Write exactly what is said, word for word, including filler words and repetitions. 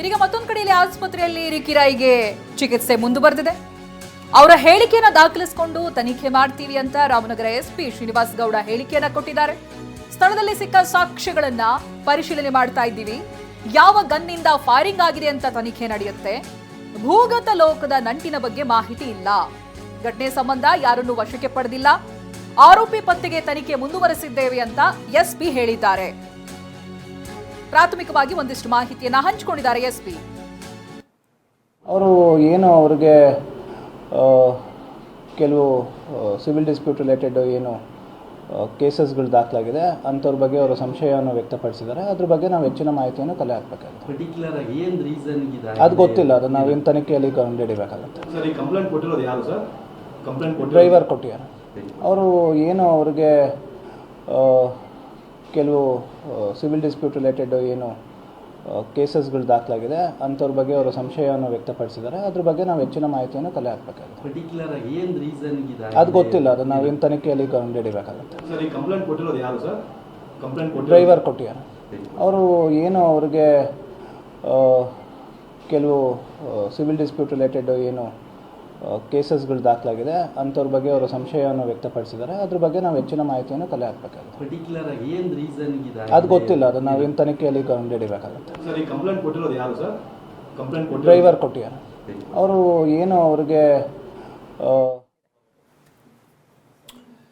ಇದೀಗ ಮತ್ತೊಂದು ಕಡೆಯಲ್ಲಿ ಆಸ್ಪತ್ರೆಯಲ್ಲಿ ರಿಕಿರಾಯಿಗೆ ಚಿಕಿತ್ಸೆ ಮುಂದುವರೆದಿದೆ. ಅವರ ಹೇಳಿಕೆಯನ್ನ ದಾಖಲಿಸಿಕೊಂಡು ತನಿಖೆ ಮಾಡ್ತೀವಿ ಅಂತ ರಾಮನಗರ ಎಸ್ಪಿ ಶ್ರೀನಿವಾಸ್ ಗೌಡ ಹೇಳಿಕೆಯನ್ನ ಕೊಟ್ಟಿದ್ದಾರೆ. ಸ್ಥಳದಲ್ಲಿ ಸಿಕ್ಕ ಸಾಕ್ಷ್ಯಗಳನ್ನ ಪರಿಶೀಲನೆ ಮಾಡ್ತಾ ಇದ್ದೀವಿ. ಯಾವ ಗನ್ನಿಂದ ಫೈರಿಂಗ್ ಆಗಿದೆ ಅಂತ ತನಿಖೆ ನಡೆಯುತ್ತೆ. ಭೂಗತ ಲೋಕದ ನಂಟಿನ ಬಗ್ಗೆ ಮಾಹಿತಿ ಇಲ್ಲ. ಘಟನೆ ಸಂಬಂಧ ಯಾರನ್ನು ವಶಕ್ಕೆ ಪಡೆದಿಲ್ಲ. ಆರೋಪಿ ಪತ್ತೆಗೆ ತನಿಖೆ ಮುಂದುವರೆಸಿದ್ದೇವೆ ಅಂತ ಎಸ್ಪಿ ಹೇಳಿದ್ದಾರೆ. ಪ್ರಾಥಮಿಕವಾಗಿ ಒಂದಿಷ್ಟು ಮಾಹಿತಿಯನ್ನ ಹಂಚಿಕೊಂಡಿದ್ದಾರೆ ಎಸ್ಪಿ. ಅವರು ಏನು ಅವರಿಗೆ ಕೆಲವು ಸಿವಿಲ್ ಡಿಸ್ಪ್ಯೂಟ್ ರಿಲೇಟೆಡ್ ಏನು ಕೇಸಸ್ಗಳು ದಾಖಲಾಗಿದೆ ಅಂಥವ್ರ ಬಗ್ಗೆ ಅವರು ಸಂಶಯವನ್ನು ವ್ಯಕ್ತಪಡಿಸಿದ್ದಾರೆ. ಅದ್ರ ಬಗ್ಗೆ ನಾವು ಹೆಚ್ಚಿನ ಮಾಹಿತಿಯನ್ನು ಕಲೆ ಹಾಕಬೇಕಾಗುತ್ತೆ. ಪರ್ಟಿಕ್ಯುಲರ್ ಆಗಿ ಏನು ರೀಸನ್ ಇದೆ ಅದು ಗೊತ್ತಿಲ್ಲ. ಅದು ನಾವೇನು ತನಿಖೆಯಲ್ಲಿ ಕಂಡುಹಿಡಿಯಬೇಕಾಗುತ್ತೆ. ಸರ್, ಈ ಕಂಪ್ಲೇಂಟ್ ಕೊಟ್ಟಿರೋದು ಯಾರು ಸರ್? ಕಂಪ್ಲೇಂಟ್ ಕೊಟ್ಟು ಡ್ರೈವರ್ ಕೊಟ್ಟಿದ್ದಾರೆ. ಅವರು ಏನು ಅವರಿಗೆ ಕೆಲವು ಸಿವಿಲ್ ಡಿಸ್ಪ್ಯೂಟ್ ರಿಲೇಟೆಡ್ ಏನು ಕೇಸಸ್ಗಳು ದಾಖಲಾಗಿದೆ ಅಂಥವ್ರ ಬಗ್ಗೆ ಅವರು ಸಂಶಯವನ್ನು ವ್ಯಕ್ತಪಡಿಸಿದ್ದಾರೆ. ಅದ್ರ ಬಗ್ಗೆ ನಾವು ಹೆಚ್ಚಿನ ಮಾಹಿತಿಯನ್ನು ಕಲೆ ಹಾಕಬೇಕಾಗುತ್ತೆ. ಪರ್ಟಿಕ್ಯುಲರ್ ಆಗಿ ಏನು ರೀಸನ್ ಇದೆ ಅದು ಗೊತ್ತಿಲ್ಲ. ಅದು ನಾವೇನು ತನಿಖೆಯಲ್ಲಿ ಕಂಡುಹಿಡಿಯಬೇಕಾಗುತ್ತೆ. ಸರ್, ಈ ಕಂಪ್ಲೇಂಟ್ ಕೊಟ್ಟಿರೋದು ಯಾರು ಸರ್? ಕಂಪ್ಲೇಂಟ್ ಕೊಟ್ಟು ಡ್ರೈವರ್ ಕೊಟ್ಟಿದ್ದಾರೆ. ಅವರು ಏನು ಅವರಿಗೆ ಕೆಲವು ಸಿವಿಲ್ ಡಿಸ್ಪ್ಯೂಟ್ ರಿಲೇಟೆಡ್ ಏನು ಕೇಸಸ್ಗಳು ದಾಖಲಾಗಿದೆ ಅಂಥವ್ರ ಬಗ್ಗೆ ಅವರು ಸಂಶಯವನ್ನು ವ್ಯಕ್ತಪಡಿಸಿದ್ದಾರೆ. ಅದ್ರ ಬಗ್ಗೆ ನಾವು ಹೆಚ್ಚಿನ ಮಾಹಿತಿಯನ್ನು ಕಲೆ ಹಾಕಬೇಕಾಗುತ್ತೆ. ಪರ್ಟಿಕ್ಯುಲರ್ ಆಗಿ ಏನು ರೀಸನ್ ಇದೆ ಅದು ಗೊತ್ತಿಲ್ಲ. ಅದು ನಾವೇನು ತನಿಖೆಯಲ್ಲಿ ಕಂಡುಹಿಡಿಯಬೇಕಾಗುತ್ತೆ. ಸರ್, ಈ ಕಂಪ್ಲೇಂಟ್ ಕೊಟ್ಟಿರೋದು ಯಾರು ಸರ್? ಕಂಪ್ಲೇಂಟ್ ಕೊಟ್ಟು ಡ್ರೈವರ್ ಕೊಟ್ಟಿದ್ದಾರೆ. ಅವರು ಏನು ಅವರಿಗೆ